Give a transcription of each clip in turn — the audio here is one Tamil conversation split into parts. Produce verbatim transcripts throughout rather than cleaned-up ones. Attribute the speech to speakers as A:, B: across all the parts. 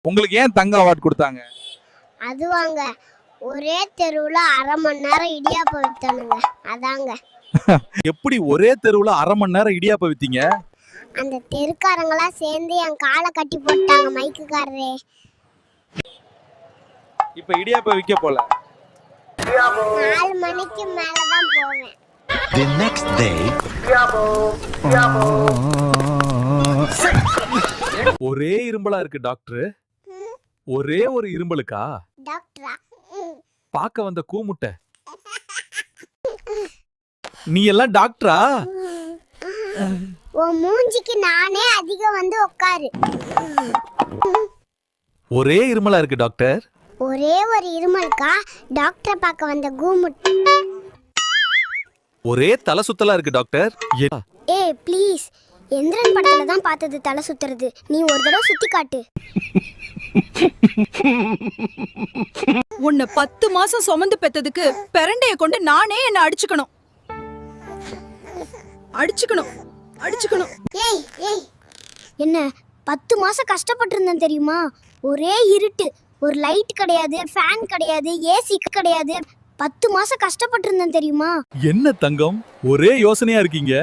A: உங்களுக்கு ஏன் தங்க அவார்ட் கொடுத்தாங்க?
B: அது வாங்க ஒரே தெருவுல அரை மணி நேரம் இடியாப்பம் வித்தானுங்க அதாங்க.
A: எப்படி ஒரே தெருவுல அரை மணி நேரம் இடியாப்பம் வித்தீங்க?
B: அந்த தெருக்காரங்களா சேர்ந்து என் காலை கட்டி போட்டாங்க மைக்குக்காரரே.
A: இப்ப இடியாப்பம் விக்க போல.
B: நாலு மணிக்கு மேலதான் போவேன்.
C: The next day.
A: ஒரே இரும்பலா இருக்கு டாக்டர். ஒரே ஒரு இரும்பலுக்கா?
B: டாக்டரா?
A: பாக்க வந்த கூமுட்டை. நீ எல்லாம் டாக்டரா?
B: உன் மூஞ்சிக்கு நானே அதிகம் வந்து உட்காரு.
A: ஒரே இருமலா இருக்கு டாக்டர்.
B: ஒரே ஒரு இருமலுக்கா டாக்டரை பார்க்க வந்த கூமுட்டை.
A: ஒரே தலை சுத்தலா இருக்கு டாக்டர்.
B: ஏ ப்ளீஸ், எந்திரன் படத்துல தான் பார்த்தது தலை சுத்துறது. நீ ஒரு தடவை சுத்தி காட்டு.
D: உன்னை பத்து மாசம் சுமந்து பெத்ததுக்கு பெரண்டைய கொண்டு நானே என்ன அடிச்சுக்கணும் அடிச்சுக்கணும் அடிச்சுக்கணும்.
B: ஏய் ஏய், என்ன பத்து மாசம் கஷ்டப்பட்டு இருந்தேன் தெரியுமா? ஒரே இருட்டு, ஒரு லைட் கிடையாது, ஃபேன் கிடையாது, ஏசி கிடையாது. பத்து மாசம் கஷ்டப்பட்டு இருந்தேன் தெரியுமா?
A: என்ன தங்கம் ஒரே யோசனையா இருக்கீங்க?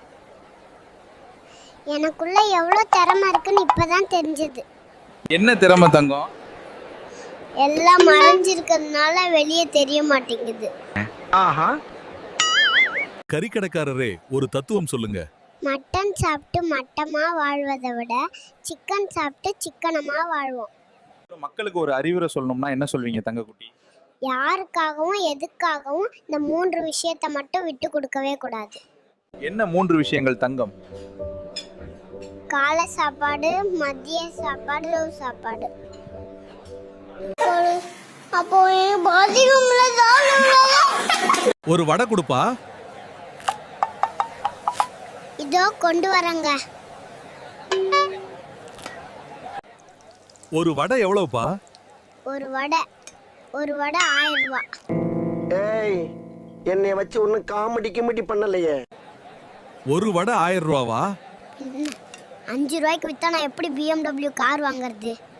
B: எனக்குள்ள எவ்வளவு திறமை இருக்குன்னு இப்பதான் தெரிஞ்சது.
A: என்ன திறமை தங்கம்?
B: எல்லாம் மறைஞ்சிருக்கிறதுனால வெளியே தெரிய மாட்டேங்குது.
C: ஆஹா.
A: கறிக்கடைக்காரரே, ஒரு தத்துவம் சொல்லுங்க.
B: மட்டன் சாப்பிட்டு மட்டமா வாழ்வதை விட சிக்கன் சாப்பிட்டு சிக்கனமா வாழ்வோம்.
A: மக்களுக்கு ஒரு அறிவுரை சொல்லணும்னா என்ன சொல்வீங்க தங்கக்குட்டி?
B: யாருக்காகவும் எதுக்காகவும் இந்த மூன்று விஷயத்தை மட்டும் விட்டு கொடுக்கவே கூடாது.
A: என்ன மூன்று விஷயங்கள் தங்கம்?
B: காலை சாப்பாடு, மதிய சாப்பாடு, இரவு சாப்பாடு. அப்போ
A: ஒரு வடை கொடுப்பா.
B: இதோ கொண்டு வரங்க.
A: ஒரு வடை எவ்வளவுப்பா?
B: ஒரு வடை ஒரு வடை ஆயிரம் ரூபாய்.
E: ஏய், என்னை வச்சு ஒன்னும் காமெடி கிமெடி பண்ணலையே.
A: ஒரு வடை ஆயிரம் ரூபாவா?
B: அஞ்சு ரூபாய்க்கு வித்தா நான் எப்படி பிஎம்டபிள்யூ கார் வாங்குறது?